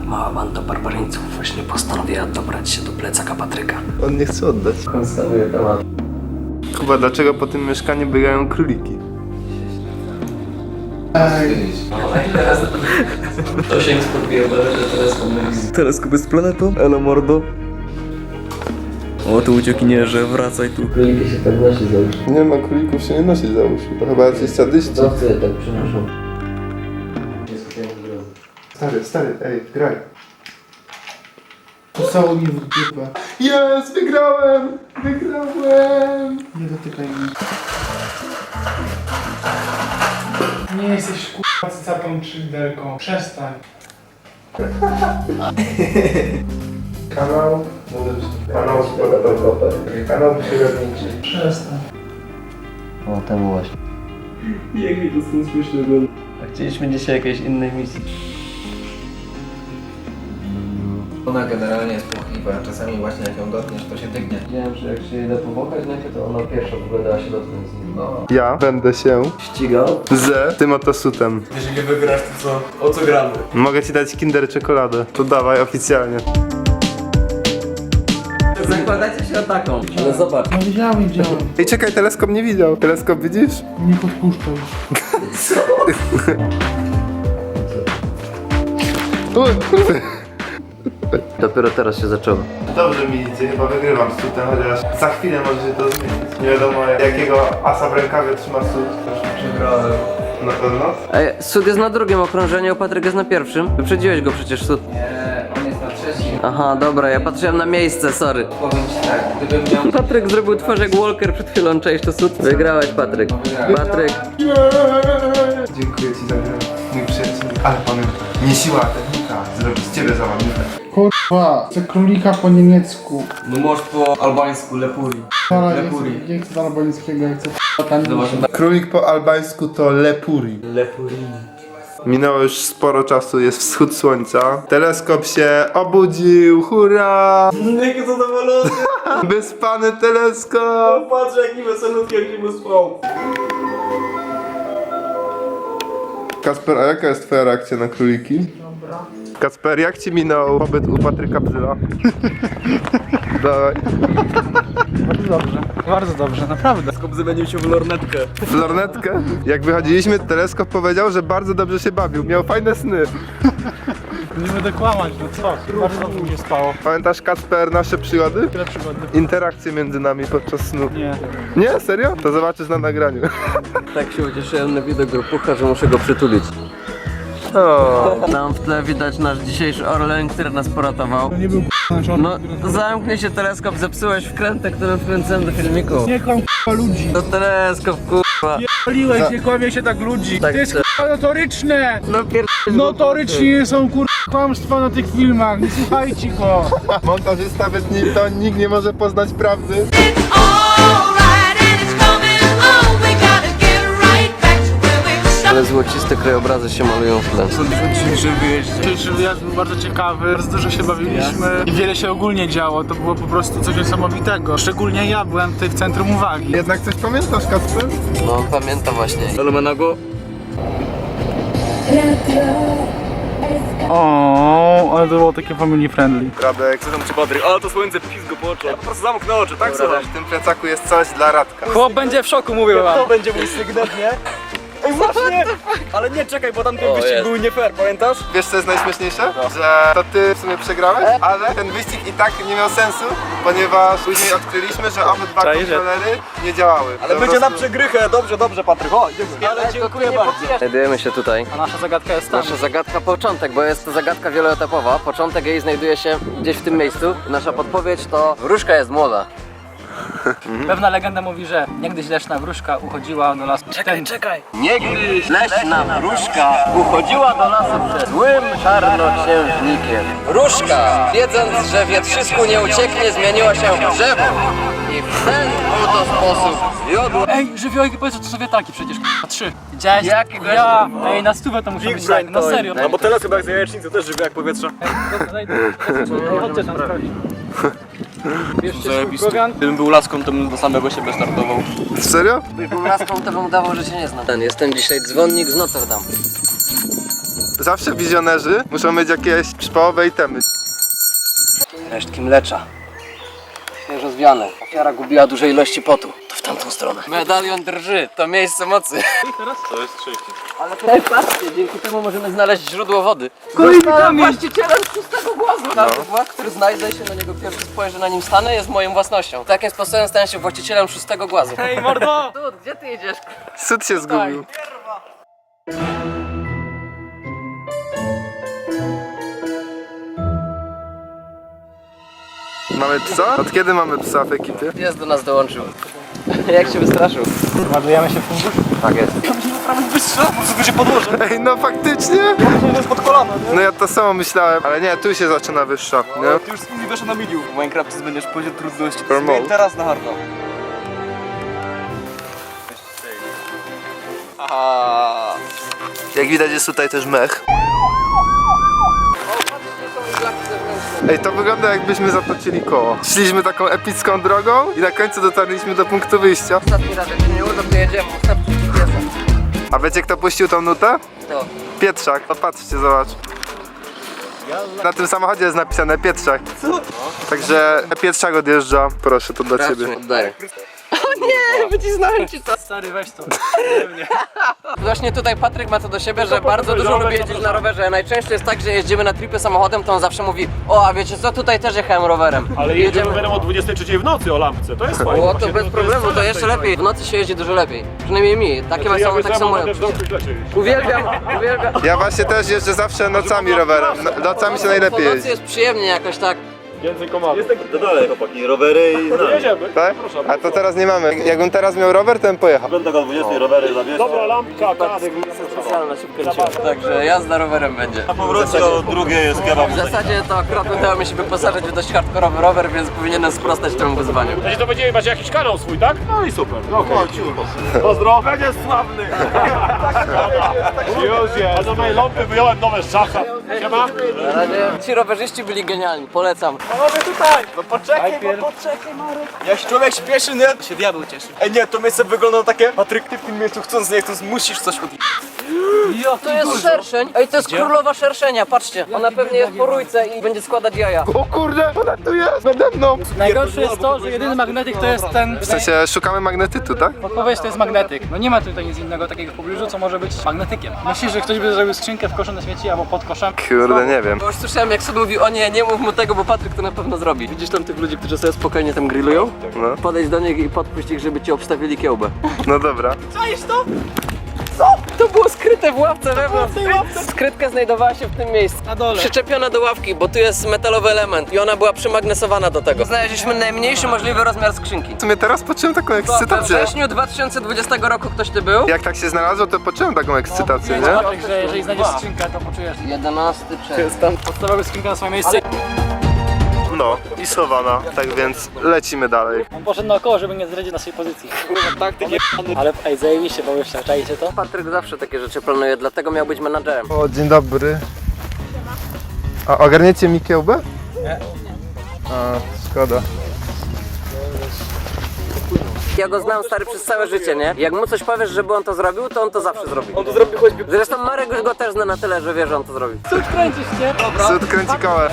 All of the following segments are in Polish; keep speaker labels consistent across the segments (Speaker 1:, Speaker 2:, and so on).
Speaker 1: Mała banda barbarzyńców właśnie postanowiła dobrać się do plecaka Patryka.
Speaker 2: On nie chce oddać.
Speaker 1: Konstatuje temat.
Speaker 2: Kuba, dlaczego po tym mieszkaniu biegają króliki?
Speaker 1: To się podbija, że teleskop jest.
Speaker 3: Teleskop jest planetą? Elo mordo. O, tu uciekinierze, wracaj tu.
Speaker 1: Króliki się tak nosi załóż.
Speaker 2: Nie ma królików, się nie nosi załóż. To chyba jacyś sadyści.
Speaker 1: Zawce tak przynoszą.
Speaker 2: Stary, ej, graj.
Speaker 4: Postało mi w dupę.
Speaker 2: Jest, wygrałem! Wygrałem!
Speaker 4: Nie dotykaj mnie. Nie jesteś k***a cycatą czy liderką. Przestań.
Speaker 2: Kanał sportowy. Kanał przyrodniczy.
Speaker 4: Przestań.
Speaker 1: O, temu właśnie.
Speaker 3: Jak mi to stąd śmiesznie ogląda.
Speaker 1: A chcieliśmy dzisiaj jakiejś innej misji.
Speaker 5: Ona generalnie jest płochliwa, czasami właśnie jak ją dotkniesz, to się dygnie.
Speaker 1: Wiedziałem, że jak się jej da powąchać najpierw, to ona pierwsza w ogóle dała się dotknąć z nim.
Speaker 5: No.
Speaker 2: Ja będę się
Speaker 1: Ścigał.
Speaker 2: z tym oto sutem.
Speaker 3: Jeżeli wygrasz, to co? O co gramy?
Speaker 2: Mogę ci dać Kinder czekoladę. To dawaj oficjalnie.
Speaker 3: Zakładacie się o taką.
Speaker 1: Ale zobacz.
Speaker 4: No widziałem.
Speaker 2: Ej, czekaj, teleskop nie widział. Teleskop widzisz?
Speaker 4: Nie podpuszczaj.
Speaker 1: Dopiero teraz się zaczęło.
Speaker 2: Dobrze mi idzie, chyba wygrywam z sutem, chociaż za chwilę może się to zmienić. Nie wiadomo jakiego asa w rękawie trzyma sut.
Speaker 5: Przegrałem.
Speaker 2: Na pewno?
Speaker 1: Ej, Sud jest na drugim okrążeniu, Patryk jest na pierwszym. Wyprzedziłeś go przecież, Sud.
Speaker 5: Nie, on jest na trzecim.
Speaker 1: Aha, dobra, ja patrzyłem na miejsce, sorry.
Speaker 5: Powiem ci tak, gdybym miał...
Speaker 1: Patryk zrobił twarz jak Walker przed chwilą, cześć, to Sud. Wygrałeś, Patryk. Patryk.
Speaker 2: Dziękuję ci za grę, mój przyjaciel. Ale pamiętaj, nie siła, technika, zrobić z ciebie załamnika.
Speaker 4: Kurwa, chcę królika po niemiecku.
Speaker 3: No możesz po albańsku, lepuri.
Speaker 4: Dobra,
Speaker 3: Lepuri.
Speaker 4: nie chcę albańskiego, ja chcę k***a
Speaker 2: Królik po albańsku to lepuri.
Speaker 3: Lepuri.
Speaker 2: Minęło już sporo czasu, jest wschód słońca. Teleskop się obudził, hurra!
Speaker 3: Jaki zadowolony.
Speaker 2: Wyspany teleskop!
Speaker 3: Patrz jaki weselutki, jak się wyspał.
Speaker 2: Kasper, a jaka jest twoja reakcja na króliki?
Speaker 4: Dobra.
Speaker 2: Kasper, jak ci minął pobyt u Patryka Bzyla? Dawaj.
Speaker 4: Bardzo dobrze, naprawdę.
Speaker 3: Skop zamienił się w lornetkę.
Speaker 2: W lornetkę? Jak wychodziliśmy, teleskop powiedział, że bardzo dobrze się bawił. Miał fajne sny.
Speaker 4: Nie będę kłamać, no co? Bardzo dobrze mi się spało.
Speaker 2: Pamiętasz, Kasper, nasze przygody?
Speaker 4: Tyle przygody.
Speaker 2: Interakcje między nami podczas snu.
Speaker 4: Nie.
Speaker 2: Nie? Serio? To zobaczysz na nagraniu.
Speaker 1: Tak się ucieszyłem na widok grupucha, że muszę go przytulić.
Speaker 2: O.
Speaker 1: Tam w tle widać nasz dzisiejszy Orlen, który nas poratował.
Speaker 4: Nie był k***a
Speaker 1: No, zamknij się teleskop, zepsułeś wkrętę, którym wkręcałem do filmiku.
Speaker 4: Nie kłam k***a ludzi.
Speaker 1: To teleskop, kurwa.
Speaker 4: Paliłeś, nie kłamie się tak ludzi.
Speaker 1: Tak
Speaker 4: To jest
Speaker 1: chcę.
Speaker 4: k***a notoryczne.
Speaker 1: No
Speaker 4: Notorycznie są kłamstwa na tych filmach. Nie słuchajcie go.
Speaker 2: Montażysta wytnie, to nikt nie może poznać prawdy.
Speaker 6: Alright, and it's coming on. We gotta get right back to where we started.
Speaker 1: Ale złociste krajobrazy się malują w tle.
Speaker 4: Dzisiejszy wyjazd był bardzo ciekawy, bardzo dużo się bawiliśmy i wiele się ogólnie działo. To było po prostu coś niesamowitego. Szczególnie ja byłem tutaj w centrum uwagi.
Speaker 2: Jednak coś pamiętasz, Kasper?
Speaker 1: No, pamiętam właśnie.
Speaker 3: Lumenago.
Speaker 4: O, ale to było takie family friendly.
Speaker 2: Radek,
Speaker 3: Co tam ci Patryk? Ale to słońce pizgo po oczach. Po prostu zamknę oczy, tak
Speaker 2: Dobra, w tym plecaku jest coś dla Radka.
Speaker 3: Chłop będzie w szoku, mówię wam. To będzie mój sygnet, nie? Ej, właśnie! Ale nie, czekaj, bo tamten wyścig
Speaker 1: jest.
Speaker 3: był nie fair, pamiętasz?
Speaker 2: Wiesz co jest najśmieszniejsze? Że to ty w sumie przegrałeś, ale ten wyścig i tak nie miał sensu, ponieważ później odkryliśmy, że obydwa
Speaker 3: Czaisz?
Speaker 2: kontrolery nie działały.
Speaker 3: Ale
Speaker 2: Po
Speaker 3: będzie na
Speaker 2: prostu-
Speaker 3: przegrychę, dobrze Patryk, o, idziemy. Ale dziękuję bardzo.
Speaker 1: Znajdujemy się tutaj.
Speaker 3: A nasza zagadka jest tam.
Speaker 1: Nasza zagadka początek, bo jest to zagadka wieloetapowa. Początek jej znajduje się gdzieś w tym miejscu. Nasza podpowiedź to wróżka jest młoda.
Speaker 7: Pewna legenda mówi, że niegdyś leśna wróżka uchodziła do lasu. Czekaj!
Speaker 1: Niegdyś leśna wróżka uchodziła do lasu przed złym czarnoksiężnikiem. Wróżka, wiedząc, że wietrzysku nie ucieknie, zmieniła się w drzewo. I w ten oto sposób jodła.
Speaker 7: Ej, żywiołki, powiedz, że to są wiatraki przecież, k***a, 3. Widziałeś?
Speaker 1: Jakiego?
Speaker 7: Ja! Ej, na stówę to muszę
Speaker 3: Big
Speaker 7: być
Speaker 3: brain
Speaker 7: tak, no
Speaker 3: to-
Speaker 7: serio.
Speaker 3: No bo teraz chyba jak z jajecznicy też żywy jak powietrze.
Speaker 7: Dobra, daj, chodźcie tam sprawdzić. Bierzcie swój
Speaker 3: Zajebisty.
Speaker 7: program.
Speaker 3: Gdybym był laską, to bym do samego siebie startował.
Speaker 2: Serio?
Speaker 1: Gdybym laską, to bym udawał, że się nie znam. Jestem dzisiaj dzwonnik z Notre Dame.
Speaker 2: zawsze wizjonerzy muszą mieć jakieś przypałowe itemy.
Speaker 1: Resztki mlecza. Świeżo zwiane. Ofiara gubiła duże ilości potu. To w tamtą stronę. Medalion drży, to miejsce mocy.
Speaker 3: To jest 30.
Speaker 1: Ale tutaj patrzcie, dzięki temu możemy znaleźć źródło wody. Zostałem właścicielem szóstego głazu. Każdy głaz, który znajdę się na niego pierwszy spojrzę, na nim stanę, jest moją własnością. Takim sposobem stałem się właścicielem szóstego głazu.
Speaker 7: Hej mordo!
Speaker 1: Dud, gdzie ty jedziesz?
Speaker 2: Sud się zgubił. Mamy psa? Od kiedy mamy psa w ekipie?
Speaker 1: Pies do nas dołączył. Jak się wystraszył?
Speaker 7: Ładujemy się w fundusz?
Speaker 1: Tak jest.
Speaker 3: Muszę się podłożyć.
Speaker 2: Ej, no faktycznie?
Speaker 3: To jest pod kolano, nie?
Speaker 2: No ja to samo myślałem, ale nie, tu się zaczyna wyższa, nie?
Speaker 3: Ty już z nimi weszło na medium. W Minecrafcie będziesz poziom trudności.
Speaker 2: Normal.
Speaker 3: Zmień teraz na harda. Aha.
Speaker 2: Jak widać jest tutaj też mech. Ej, to wygląda jakbyśmy zatoczyli koło. Szliśmy taką epicką drogą i na końcu dotarliśmy do punktu wyjścia.
Speaker 1: Ostatni raz, jak się nie uda, to jedziemy. Ustawcie GPS-a.
Speaker 2: A wiecie kto puścił tą nutę?
Speaker 1: To.
Speaker 2: Pietrzak. Popatrzcie, zobacz. Na tym samochodzie jest napisane Pietrzak. Także Pietrzak odjeżdża. Proszę, to dla ciebie.
Speaker 1: Oddaję. O nie, wycisnąłem ci to.
Speaker 7: Stary, weź to.
Speaker 1: Właśnie tutaj Patryk ma to do siebie, że bardzo dużo lubi jeździć na rowerze. Najczęściej jest tak, że jeździmy na tripy samochodem, to on zawsze mówi: o, a wiecie co, tutaj też jechałem rowerem.
Speaker 8: Ale jedziemy rowerem o 23 w nocy o lampce, to jest fajne.
Speaker 1: O, to
Speaker 8: Właśnie,
Speaker 1: bez problemu, to jeszcze lepiej. W nocy się jeździ dużo lepiej. Przynajmniej mi. Takie
Speaker 8: Ja
Speaker 1: tak samo moje
Speaker 8: też w
Speaker 1: odczucie.
Speaker 8: domku leczy.
Speaker 1: Uwielbiam, uwielbiam.
Speaker 2: Ja właśnie też jeżdżę zawsze nocami rowerem. Nocami się najlepiej
Speaker 1: Po nocy
Speaker 2: jeździ.
Speaker 1: jest przyjemnie jakoś tak.
Speaker 8: Więcej komadów. To dalej chłopaki, rowery i znamy. Jedziemy.
Speaker 2: Tak? A to teraz nie mamy. Jakbym teraz miał rower, to bym pojechał.
Speaker 8: Będę o 20 rowery zabierz. Dobra, lampka, kask.
Speaker 1: Specjalna, szybko leciała. Także jazda rowerem będzie.
Speaker 8: Na powrocie o drugiej jest kebab.
Speaker 1: W zasadzie to akurat udało mi się wyposażyć w dość hardkorowy rower, więc powinienem sprostać temu wyzwaniu.
Speaker 8: Znaczy to będziemy macie jakiś kanał swój, tak? No i super. No, pozdro. Będzie sławny. Już jest. A do mojej lampy wyjąłem nowe z szacha. Siema.
Speaker 1: Na razie ci rowerzyści byli genialni, polecam.
Speaker 3: Panowie tutaj! No poczekaj, poczekaj Marek. Jak się człowiek śpieszy, nie?
Speaker 7: Się diabeł cieszy.
Speaker 3: Ej nie, to miejsce wygląda takie. Patryk, ty w tym miejscu chcąc, nie chcąc, musisz coś odjechać.
Speaker 1: To jest szerszeń. Ej, to jest królowa szerszenia, patrzcie. Ona pewnie jest po rójce i będzie składać jaja.
Speaker 2: O kurde, ona tu jest nade mną.
Speaker 7: Najgorsze jest to, że jedyny magnetyk to jest ten...
Speaker 2: W sensie szukamy magnetytu, tak?
Speaker 7: Podpowiedź to jest magnetyk. No nie ma tutaj nic innego takiego w pobliżu, co może być magnetykiem. Myślisz, że ktoś by zrobił skrzynkę w koszu na śmieci albo pod koszem?
Speaker 2: Kurde, nie wiem.
Speaker 1: Bo już słyszałem, jak Sud mówi: o nie, nie mów mu tego, bo Patryk to na pewno zrobi. Widzisz tam tych ludzi, którzy sobie spokojnie tam grillują?
Speaker 2: No,
Speaker 1: Podejdź do nich i podpuść ich, żeby ci obstawili kiełbę.
Speaker 2: no dobra.
Speaker 1: To było skryte w ławce wewnątrz. Skrytka znajdowała się w tym miejscu.
Speaker 7: Na dole.
Speaker 1: Przyczepiona do ławki, bo tu jest metalowy element i ona była przymagnesowana do tego. Znaleźliśmy najmniejszy możliwy rozmiar skrzynki.
Speaker 2: W sumie teraz poczułem taką
Speaker 1: We
Speaker 2: ekscytację.
Speaker 1: wrześniu 2020 roku ktoś ty był?
Speaker 2: Jak tak się znalazło, to poczułem taką ekscytację, nie?
Speaker 7: Patryk, że jeżeli znajdziesz skrzynkę, to poczujesz
Speaker 1: 11 czerwca.
Speaker 7: podstawowy skrzynkę na swoje miejsce.
Speaker 2: No, i schowana. Tak więc lecimy dalej.
Speaker 7: On poszedł naokoło, żeby nie zdradzić naszej pozycji. Kurwa, tak, ale ej, zajebiście, bo już czajcie to?
Speaker 1: Patryk zawsze takie rzeczy planuje, dlatego miał być menadżerem.
Speaker 2: O, dzień dobry. A ogarniecie mi kiełbę? Nie. A, szkoda.
Speaker 1: Ja go znam, stary, przez całe życie, nie? Jak mu coś powiesz, żeby on to zrobił, to on to zawsze zrobi.
Speaker 3: On to zrobi choćby.
Speaker 1: Zresztą Marek już go też zna na tyle, że wie, że on to zrobi.
Speaker 7: Kręcisz się?
Speaker 2: Sud kręci kołę.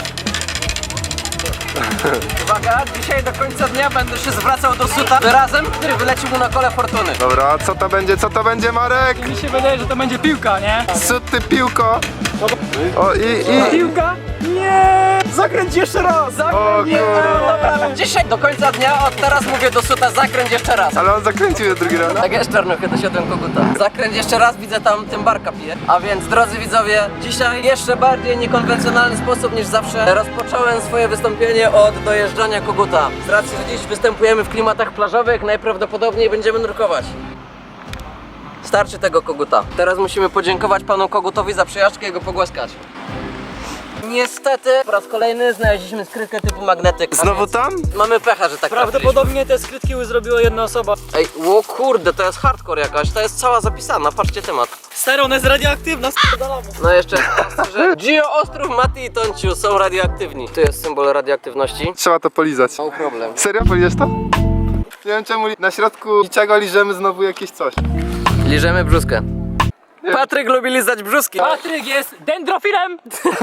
Speaker 1: Uwaga, dzisiaj do końca dnia będę się zwracał do Suta wyrazem, który wylecił mu na kole fortuny.
Speaker 2: Dobra, co to będzie, Marek?
Speaker 7: Mi się wydaje, że to będzie piłka, nie?
Speaker 2: Sud, ty piłko. O, i...
Speaker 7: Piłka?
Speaker 3: Nie! Zakręć jeszcze raz!
Speaker 2: O kurde.
Speaker 1: Dzisiaj do końca dnia, od teraz mówię do Suta: zakręć jeszcze raz.
Speaker 2: Ale on zakręcił je drugi raz.
Speaker 1: Tak jest, czarnuchy, dosiadłem koguta. Zakręć jeszcze raz, widzę tam tym barka pije. A więc, drodzy widzowie, dzisiaj jeszcze bardziej niekonwencjonalny sposób niż zawsze rozpocząłem swoje wystąpienie od dojeżdżania koguta. Z racji, że dziś występujemy w klimatach plażowych, najprawdopodobniej będziemy nurkować. Starczy tego koguta. Teraz musimy podziękować panu kogutowi za przejażdżkę i go pogłaskać. Niestety, po raz kolejny znaleźliśmy skrytkę typu magnetyk. a
Speaker 2: Znowu
Speaker 1: więc
Speaker 2: tam?
Speaker 1: Mamy pecha, że tak trafiliśmy.
Speaker 7: Prawdopodobnie te skrytki już zrobiła jedna osoba.
Speaker 1: Ej, o kurde, to jest hardcore jakaś, to jest cała zapisana, patrzcie temat.
Speaker 7: Stary, ona jest radioaktywna, s***dalamy.
Speaker 1: No jeszcze raz, że Gio, Ostrów, Mati i Tonciu są radioaktywni. Tu jest symbol radioaktywności.
Speaker 2: Trzeba to polizać.
Speaker 1: No problem.
Speaker 2: Serio, poliżesz to? Nie wiem czemu na środku niczego liżemy znowu jakieś coś.
Speaker 1: Liżemy brzuskę. Patryk lubi lizać brzuski.
Speaker 7: Patryk jest dendrofilem!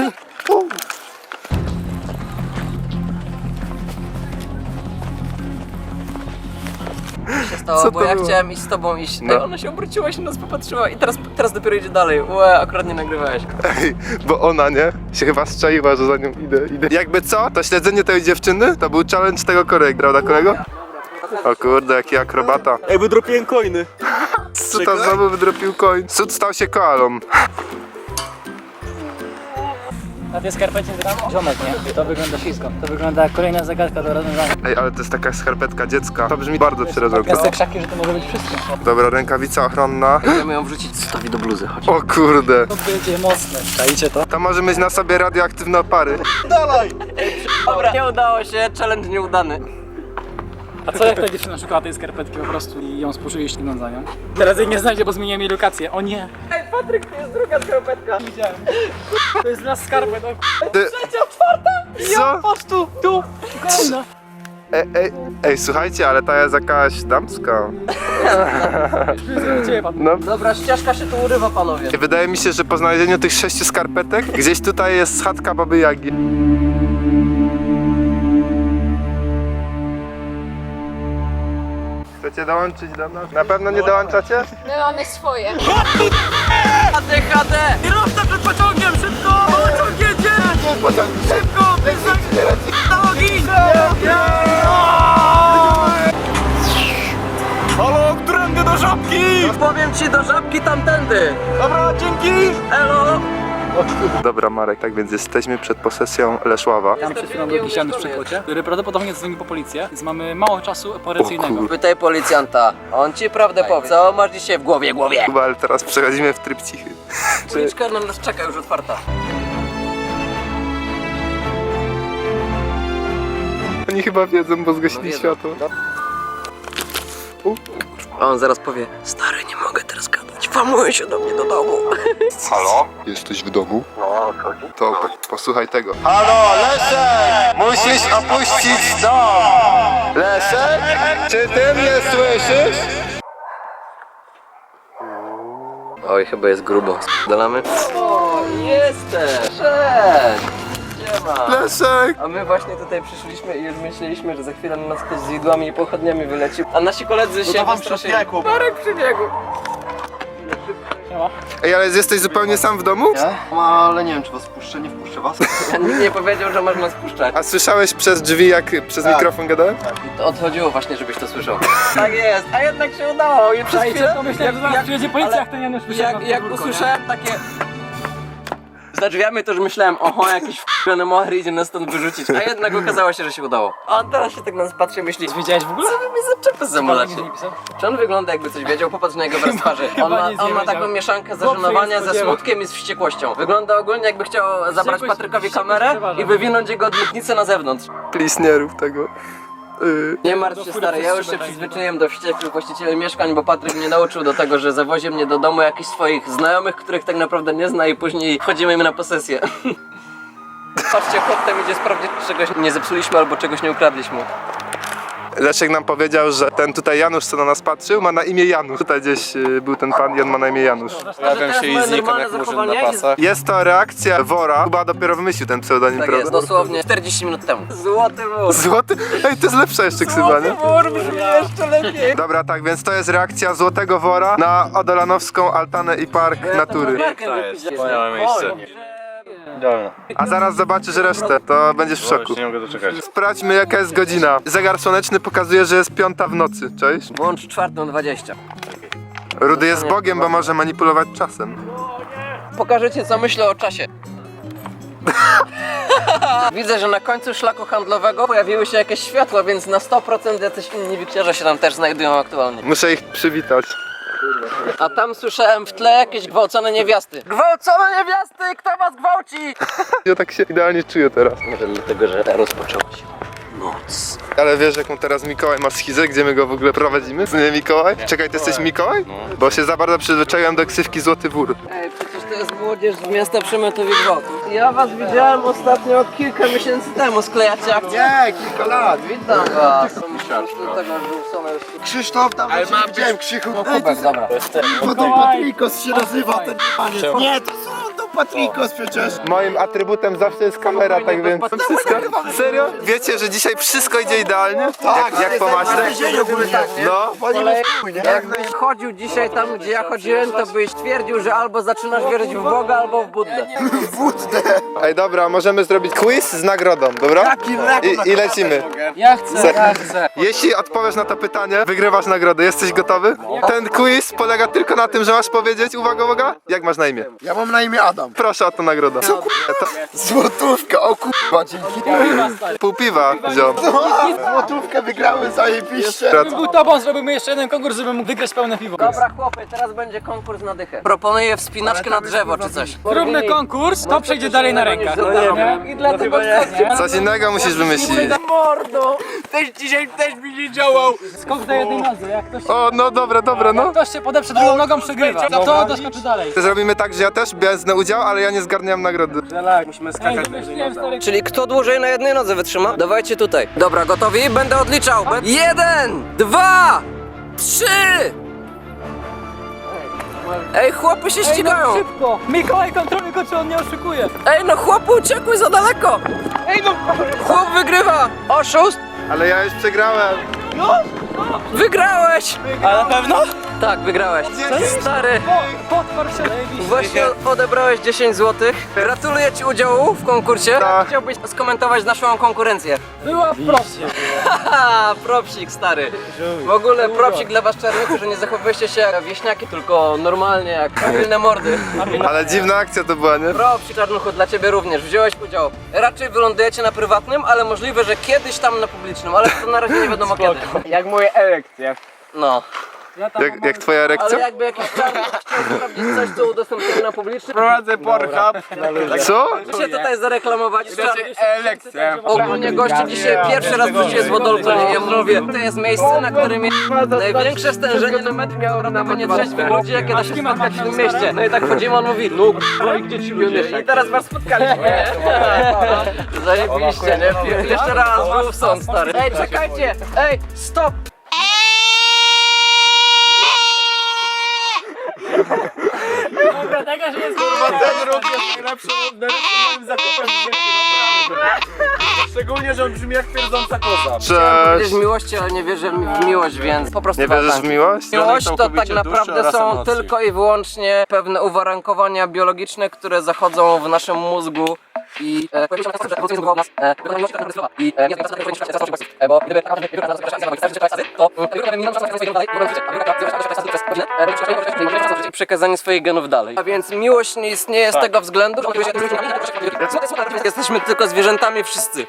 Speaker 1: się stało,
Speaker 2: Co
Speaker 1: bo
Speaker 2: to
Speaker 1: ja
Speaker 2: było?
Speaker 1: chciałem iść z tobą iść.
Speaker 2: No.
Speaker 1: Ej, ona się obróciła, się nas popatrzyła i teraz dopiero idzie dalej. Łe, akurat nie nagrywałeś.
Speaker 2: Ej, bo ona, nie? Się chyba strzaiła, że za nią idę. Jakby co? To śledzenie tej dziewczyny to był challenge tego kolegi, prawda kolego? O kurde, jaki akrobata.
Speaker 3: Ej, wydropiłem coiny.
Speaker 2: Suta znowu wydropił koń. Sud stał się koalą.
Speaker 7: Na tej skarpecie tam ziomek, nie? To wygląda ślisko. To wygląda jak kolejna zagadka do rozwiązania.
Speaker 2: Ej, ale to jest taka skarpetka dziecka. To brzmi bardzo przerażająco.
Speaker 7: Jest te krzaki, że to może być wszystko.
Speaker 2: Dobra, rękawica ochronna.
Speaker 1: Chcemy ją wrzucić Sotowi do bluzy, chodź.
Speaker 2: O kurde.
Speaker 7: To będzie mocne. Czajcie to?
Speaker 2: To może mieć na sobie radioaktywne opary.
Speaker 1: Dobra, nie udało się, challenge nieudany.
Speaker 7: A co jak ta dziewczyna szukała tej skarpetki po prostu i ją spłoszyli śliniąc za nią? Teraz jej nie znajdzie, bo zmieniłem jej lokację. O nie!
Speaker 1: Ej, Patryk, to jest druga skarpetka.
Speaker 7: Widziałem. To jest dla skarpet.
Speaker 2: Ty... Co?
Speaker 7: Patrz tu! Tu! Kolejna!
Speaker 2: Ej, słuchajcie, ale ta jest jakaś damska.
Speaker 7: Ciebie, Patryk.
Speaker 2: No.
Speaker 1: Dobra, ścieżka się tu urywa, panowie.
Speaker 2: Wydaje mi się, że po znalezieniu tych 6 skarpetek gdzieś tutaj jest chatka Baby Jagi. Chcecie dołączyć do nas? Na pewno nie dołączacie?
Speaker 9: My mamy swoje.
Speaker 1: ADHD!
Speaker 7: Kierowca przed pociągiem! Szybko! Pociąg jedzie! Szybko! Nogi!
Speaker 3: Halo, którędy do żabki?
Speaker 1: Powiem ci, do żabki tamtędy.
Speaker 3: Dobra, dzięki!
Speaker 1: Elo!
Speaker 2: Dobra, Marek, tak więc jesteśmy przed posesją Leszława.
Speaker 7: Tam przed chwilą był jakiś Janusz w przekrocie, który prawdopodobnie dzwonił po policję, więc mamy mało czasu operacyjnego.
Speaker 1: Pytaj policjanta, on ci prawdę powie. Co masz dzisiaj w głowie?
Speaker 2: Chyba, ale teraz przechodzimy w tryb cichy.
Speaker 1: Uliczka na nas czeka, już otwarta.
Speaker 2: Oni chyba wiedzą, bo zgasili
Speaker 1: wiedzą.
Speaker 2: światło.
Speaker 1: A on zaraz powie, stary, nie mogę teraz gadać, włamują się do mnie do domu.
Speaker 2: Halo? Jesteś w domu? No, to posłuchaj tego. Halo, Leszek! Musisz opuścić dom! Leszek? Czy ty mnie słyszysz?
Speaker 1: Oj, chyba jest grubo. Dolamy? O, jesteś! Cześć! Siema!
Speaker 2: Leszek!
Speaker 1: A my właśnie tutaj przyszliśmy i już myśleliśmy, że za chwilę na nas ktoś z widłami i pochodniami wyleci. A nasi koledzy się wystraszyli. Marek przybiegł!
Speaker 2: Ej, ale jesteś zupełnie sam w domu?
Speaker 3: Ale nie wiem, czy was puszczę, nie wpuszczę was.
Speaker 1: Nikt nie powiedział, że można spuszczać.
Speaker 2: A słyszałeś przez drzwi, jak przez mikrofon gadałem?
Speaker 1: To odchodziło właśnie, żebyś to słyszał. Tak jest, a jednak się udało i przez chwilę...
Speaker 7: Pomyślałem, że zaraz przyjedzie policja, jak ten Janusz wyszedł na
Speaker 1: Jak
Speaker 7: podwórko, nie?
Speaker 1: usłyszałem takie... Za drzwiami to już myślałem, oho, jakiś f***ny moher idzie nas stąd wyrzucić, a jednak okazało się, że się udało. A on teraz się tak na nas patrzy i myśli,
Speaker 7: Wiedziałeś w ogóle?
Speaker 1: co wy mi zaczepy zamulacie?
Speaker 7: Nic nie pisał?
Speaker 1: Czy on wygląda jakby coś wiedział? Popatrz na jego wyraz twarzy.
Speaker 7: Chyba nic nie
Speaker 1: On ma
Speaker 7: wiedział.
Speaker 1: taką mieszankę
Speaker 7: Chłop się
Speaker 1: zażenowania
Speaker 7: nie
Speaker 1: ze
Speaker 7: spodziewał.
Speaker 1: smutkiem i z wściekłością. Wygląda ogólnie jakby chciał zabrać
Speaker 7: Wściekłość-
Speaker 1: Patrykowi
Speaker 7: wściekłość
Speaker 1: kamerę
Speaker 7: przeważa.
Speaker 1: i wywinąć jego odlotnicę na zewnątrz.
Speaker 2: Please, nie rób tego.
Speaker 1: Nie martw się, stary, ja już się przyzwyczaiłem do wściekłych właścicieli mieszkań, bo Patryk mnie nauczył do tego, że zawozi mnie do domu jakichś swoich znajomych, których tak naprawdę nie zna i później wchodzimy im na posesję. Patrzcie, chłop tam idzie sprawdzić, czy czegoś nie zepsuliśmy albo czegoś nie ukradliśmy.
Speaker 2: Leszek nam powiedział, że ten tutaj Janusz, co na nas patrzył, ma na imię Janusz. Tutaj gdzieś był ten pan i on ma na imię Janusz.
Speaker 1: Pojawiam się i znikam jak murzyn na pasach.
Speaker 2: Jest to reakcja wora. Chyba dopiero wymyślił ten pseudonim,
Speaker 1: Tak
Speaker 2: prawda?
Speaker 1: jest, dosłownie 40 minut temu. Złoty wór.
Speaker 2: Złoty? Ej, to jest lepsza jeszcze ksywa, nie?
Speaker 1: Wór brzmi jeszcze lepiej.
Speaker 2: Dobra, tak, więc to jest reakcja Złotego Wora na Odolanowską Altanę i Park Natury.
Speaker 1: To jest
Speaker 8: wspaniałe miejsce.
Speaker 2: A zaraz zobaczysz resztę, to będziesz w szoku.
Speaker 8: Nie mogę doczekać.
Speaker 2: Sprawdźmy, jaka jest godzina. Zegar słoneczny pokazuje, że jest 5 w nocy, cześć?
Speaker 1: Włącz 4:20.
Speaker 2: Rudy jest Bogiem, bo może manipulować czasem.
Speaker 1: Pokażę ci, co myślę o czasie. Widzę, że na końcu szlaku handlowego pojawiły się jakieś światła, więc na 100% jacyś inni wikciarze się tam też znajdują aktualnie.
Speaker 2: Muszę ich przywitać.
Speaker 1: A tam słyszałem w tle jakieś gwałcone niewiasty. Gwałcone niewiasty! Kto was gwałci?
Speaker 2: Ja tak się idealnie czuję teraz.
Speaker 1: Może dlatego, że rozpoczęła się noc.
Speaker 2: Ale wiesz, jaką teraz Mikołaj ma schizę, gdzie my go w ogóle prowadzimy? Nie Mikołaj? Czekaj, ty jesteś Mikołaj? Bo się za bardzo przyzwyczaiłem do ksywki Złoty Wór.
Speaker 1: Ej, przecież to jest młodzież z miasta przemytu i gwałtu. Ja was widziałem ostatnio kilka miesięcy temu, sklejacie akcję?
Speaker 2: Nie, kilka lat.
Speaker 1: Witam was.
Speaker 2: Krzysztof, tam ale widziałem Krzychu.
Speaker 1: Kubek, dobra.
Speaker 2: Bo to Patrikos się nazywa ten panie. Nie, to Patrikos przecież. Moim atrybutem zawsze jest kamera, tak więc wszystko. Serio? Wiecie, że dzisiaj wszystko idzie idealnie? Tak, jak po maśle? No.
Speaker 1: Jakbyś chodził dzisiaj tam, gdzie ja chodziłem, to byś twierdził, że albo zaczynasz wierzyć w Boga, albo w Buddę.
Speaker 2: Ej, dobra, możemy zrobić quiz z nagrodą, dobra? I lecimy.
Speaker 7: Ja chcę.
Speaker 2: Jeśli odpowiesz na to pytanie, wygrywasz nagrodę. Jesteś gotowy? Ten quiz polega tylko na tym, że masz powiedzieć, uwaga, jak masz na imię?
Speaker 9: Ja mam na imię Adam.
Speaker 2: Proszę o to nagrodę.
Speaker 9: Złotówka, o kurwa, dzięki.
Speaker 2: Pół piwa, ziom.
Speaker 9: Złotówkę wygrały zajebiście.
Speaker 7: Był tobą, zrobimy jeszcze jeden konkurs, żeby mógł wygrać pełne piwo.
Speaker 1: Dobra chłopy, teraz będzie konkurs na dychę. Proponuję wspinaczkę na drzewo czy coś.
Speaker 7: Zróbmy konkurs, to przejdzie dalej na rękach.
Speaker 1: I dlatego
Speaker 2: Coś innego musisz wymyślić.
Speaker 7: Skok na jednej nodze, jak ktoś,
Speaker 2: O, no dobra, no.
Speaker 7: ktoś się podeprze drugą nogą, przegrywa. To doskoczy dalej.
Speaker 2: Zrobimy tak, że ja też wezmę udział, ale ja nie zgarniam nagrody.
Speaker 1: Czyli kto dłużej na jednej nodze wytrzyma? Dawajcie tutaj. Dobra, gotowi? Będę odliczał. 1, 2, 3. Ej, chłopy się ścigają.
Speaker 7: Szybko! Mikołaj kontroluj go, czy on nie oszukuje.
Speaker 1: Ej, no chłopu, uciekły za daleko. Chłop wygrywa. Oszust.
Speaker 2: Ale ja już przegrałem.
Speaker 1: Wygrałeś.
Speaker 7: A na pewno?
Speaker 1: Tak, wygrałeś. Stary,
Speaker 7: Potwór się
Speaker 1: właśnie odebrałeś 10 zł. Gratuluję ci udziału w konkursie.
Speaker 2: Tak.
Speaker 1: Chciałbyś skomentować naszą konkurencję.
Speaker 7: była wprost.
Speaker 1: Haha, propsik stary. W ogóle propsik dla was czarnych, że nie zachowujecie się jak wieśniaki, tylko normalnie jak pilne mordy.
Speaker 2: Ale dziwna akcja to była, nie?
Speaker 1: Propsik czarnuchu dla ciebie również, wziąłeś udział. Raczej wylądujecie na prywatnym, ale możliwe, że kiedyś tam na publicznym, ale to na razie nie wiadomo kiedy.
Speaker 3: Jak moje elekcje.
Speaker 1: No.
Speaker 2: Jak twoja
Speaker 1: Ale
Speaker 2: erekcja?
Speaker 1: jakby jakiś czarny chciał sprawdzić coś, co udostępniamy na publicznym,
Speaker 3: Prowadzę Pornhub.
Speaker 2: Co?
Speaker 1: się tutaj zareklamować.
Speaker 3: Elekcje.
Speaker 1: Ogólnie goście dzisiaj pierwszy raz wróciłem z Wodolku, nie? Ja mówię, to jest miejsce, na którym jest największe stężenie na metr miało nie trzeźwych ludzi, jakie da się spotkać w tym mieście. No i tak chodzimy, on mówi, no i gdzie ci ludzie? I teraz was spotkaliśmy, nie? Zajebiście, nie? Jeszcze raz, był w sąd, stary. Ej, czekajcie! Ej, stop!
Speaker 7: Dobra, taka się jest.
Speaker 3: Ten rok jest najlepszym moim zakupem w życiu, naprawdę. Szczególnie, że on brzmi jak pierdząca koza.
Speaker 1: Wierzysz
Speaker 2: Cześć.
Speaker 1: w miłości, ale nie wierzę w miłość, więc po prostu
Speaker 2: Nie wierzysz w
Speaker 1: tak.
Speaker 2: miłość?
Speaker 1: Miłość to tak naprawdę są tylko i wyłącznie pewne uwarunkowania biologiczne, które zachodzą w naszym mózgu i bo gdyby przekazanie swoich genów dalej. A więc miłość nie istnieje z tego względu, że jesteśmy tylko zwierzętami wszyscy.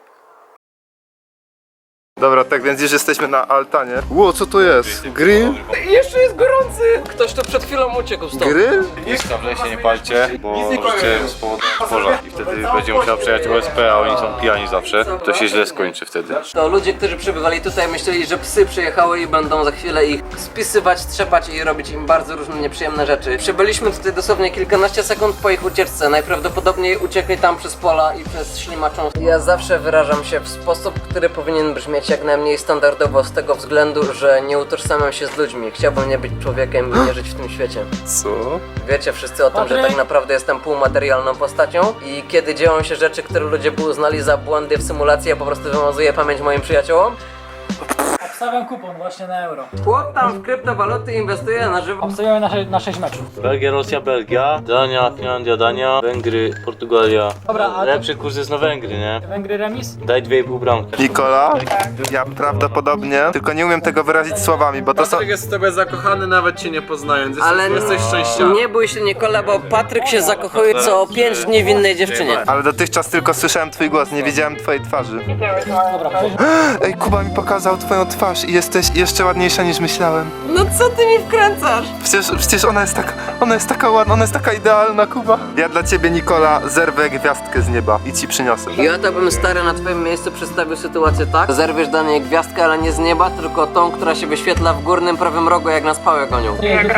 Speaker 2: Dobra, tak więc już jesteśmy na altanie. Ło, co to jest? Grill?
Speaker 1: Jeszcze jest gorący! Ktoś tu przed chwilą uciekł stąd.
Speaker 2: Grill?
Speaker 10: Dobrze się nie palcie, bo możecie spowodować pożar i wtedy będzie musiał przejechać OSP, a oni są pijani zawsze. To się źle skończy wtedy.
Speaker 1: To ludzie, którzy przybywali tutaj, myśleli, że psy przyjechały i będą za chwilę ich spisywać, trzepać i robić im bardzo różne nieprzyjemne rzeczy. Przybyliśmy tutaj dosłownie kilkanaście sekund po ich ucieczce. Najprawdopodobniej uciekli tam przez pola i przez ślimaczą. Ja zawsze wyrażam się w sposób, który powinien brzmieć jak najmniej standardowo z tego względu, że nie utożsamiam się z ludźmi. Chciałbym nie być człowiekiem i nie żyć w tym świecie.
Speaker 2: Co?
Speaker 1: Wiecie wszyscy o tym, że tak naprawdę jestem półmaterialną postacią i kiedy dzieją się rzeczy, które ludzie by uznali za błędy w symulacji, ja po prostu wymazuję pamięć moim przyjaciołom.
Speaker 7: Obstawiam kupon właśnie na euro.
Speaker 1: Chłop tam w kryptowaluty inwestuje na żywo.
Speaker 7: Obstawiamy na 6 meczów.
Speaker 10: Belgia, Rosja, Belgia, Dania, Finlandia, Dania, Węgry, Portugalia.
Speaker 7: Dobra, a to-
Speaker 10: Lepszy kurs jest na Węgry, nie?
Speaker 7: Węgry remis?
Speaker 10: Daj 2,5 bramki.
Speaker 2: Nikola? Ja prawdopodobnie, tylko nie umiem tego wyrazić słowami, bo to są...
Speaker 3: Patryk jest w tobie zakochany, nawet cię nie poznając.
Speaker 1: Ale
Speaker 3: Jesteś szczęściarą.
Speaker 1: nie bój się Nikola, bo Patryk się zakochuje co 5 dni w innej dziewczynie.
Speaker 2: Ale dotychczas tylko słyszałem twój głos, nie widziałem twojej twarzy.
Speaker 7: Dobra,
Speaker 2: Ej, Kuba mi pokazał twoją twarz i jesteś jeszcze ładniejsza niż myślałem.
Speaker 1: No co ty mi wkręcasz?
Speaker 2: Przecież ona jest taka ładna, ona jest taka idealna, Kuba. Ja dla ciebie, Nikola, zerwę gwiazdkę z nieba i ci przyniosę.
Speaker 1: Ja to bym stary na twoim miejscu przedstawił sytuację tak. Zerwiesz dla niej gwiazdkę, ale nie z nieba, tylko tą, która się wyświetla w górnym prawym rogu, jak nas pałę gonią.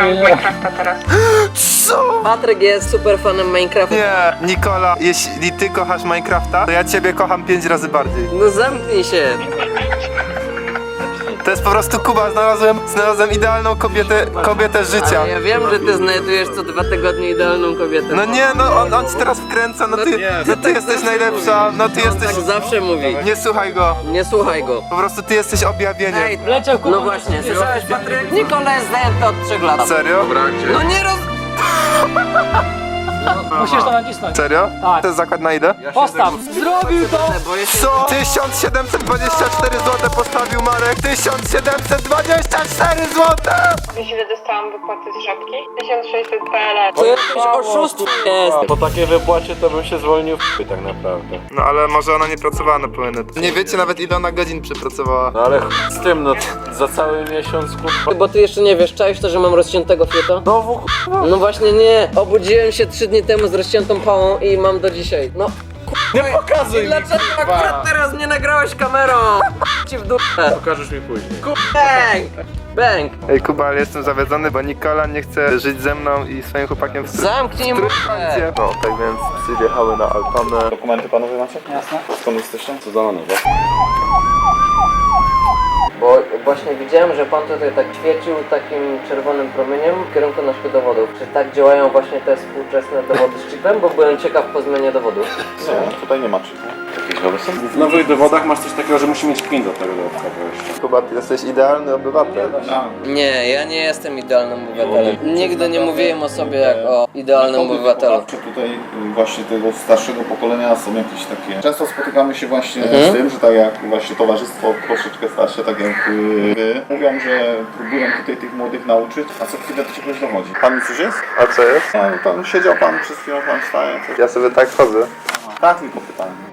Speaker 2: Co?
Speaker 1: Patryk jest super fanem Minecrafta.
Speaker 2: Nie, Nikola, jeśli ty kochasz Minecrafta, to ja ciebie kocham 5 razy bardziej.
Speaker 1: No zamknij się.
Speaker 2: To jest po prostu Kuba, znalazłem idealną kobietę życia.
Speaker 1: Ale ja wiem, że ty znajdujesz co 2 tygodnie idealną kobietę.
Speaker 2: No nie, no on ci teraz wkręca, no ty jesteś najlepsza, no ty jesteś...
Speaker 1: Tak zawsze mówi.
Speaker 2: Nie słuchaj go,
Speaker 1: Nie słuchaj go.
Speaker 2: po prostu ty jesteś objawieniem.
Speaker 1: Ej,
Speaker 7: Leciał Kuba.
Speaker 1: no właśnie, słyszałeś Patryk? Nikola jest zajęty od 3 lat.
Speaker 2: Serio?
Speaker 1: No nie roz...
Speaker 7: Musisz to nacisnąć.
Speaker 2: Serio?
Speaker 7: Tak.
Speaker 2: To jest zakład na ile?
Speaker 7: Postaw. Zrobił to.
Speaker 2: Co? 1724 zł postawił Marek, 1724 zł!
Speaker 11: Wiesz, ile dostałam wypłaty z żabki? 1600 PLN.
Speaker 1: To jakieś oszustwo jest.
Speaker 8: Po takiej wypłacie to bym się zwolnił tak naprawdę.
Speaker 2: No ale może ona nie pracowała na pełen etat. Nie wiecie nawet ile ona godzin przepracowała.
Speaker 8: No ale z tym, no za cały miesiąc
Speaker 1: Bo ty jeszcze nie wiesz, czaisz to, że mam rozciętego fiuta? No właśnie nie. Obudziłem się 3 dni temu z rozciętą pałą i mam do dzisiaj. No
Speaker 8: Nie pokazuj mi!
Speaker 1: dlaczego akurat teraz nie nagrałeś kamerą? Ci w dupę.
Speaker 8: Pokażesz mi później.
Speaker 1: Bang! Bang!
Speaker 2: Ej Kuba, ale jestem zawiedzony, bo Nikola nie chce żyć ze mną i swoim chłopakiem w
Speaker 1: Zamknij mordę.
Speaker 2: No, tak więc psy wjechały na Altanę.
Speaker 10: Dokumenty panowie macie?
Speaker 7: Jasne.
Speaker 10: Skąd jesteście? Co za nowe?
Speaker 1: Bo właśnie widziałem, że pan tutaj tak świecił takim czerwonym promieniem w kierunku naszych dowodów. Czy tak działają właśnie te współczesne dowody z chipem? Bo byłem ciekaw po zmianie dowodów.
Speaker 10: Nie, tutaj nie ma chipu. Jakieś nowe są?
Speaker 8: W nowych dowodach masz coś takiego, że musi mieć PIN do tego dodatkowo jeszcze.
Speaker 2: Kuba, ty jesteś idealny obywatel.
Speaker 1: Nie, ja nie jestem idealnym obywatelem. Nigdy nie mówiłem o sobie jak o idealnym obywatelu.
Speaker 12: Tutaj właśnie tego starszego pokolenia są jakieś takie... Często spotykamy się właśnie z tym, że tak jak właśnie towarzystwo troszeczkę starsze, tak jak wy, mówią, że próbują tutaj tych młodych nauczyć, a co chwilę to czegoś dochodzi. Pan mi coś jest?
Speaker 2: A co jest?
Speaker 12: No, tam siedział pan, przez chwilę pan wstaje.
Speaker 2: Ja sobie tak chodzę.
Speaker 12: Tak, tylko pytanie.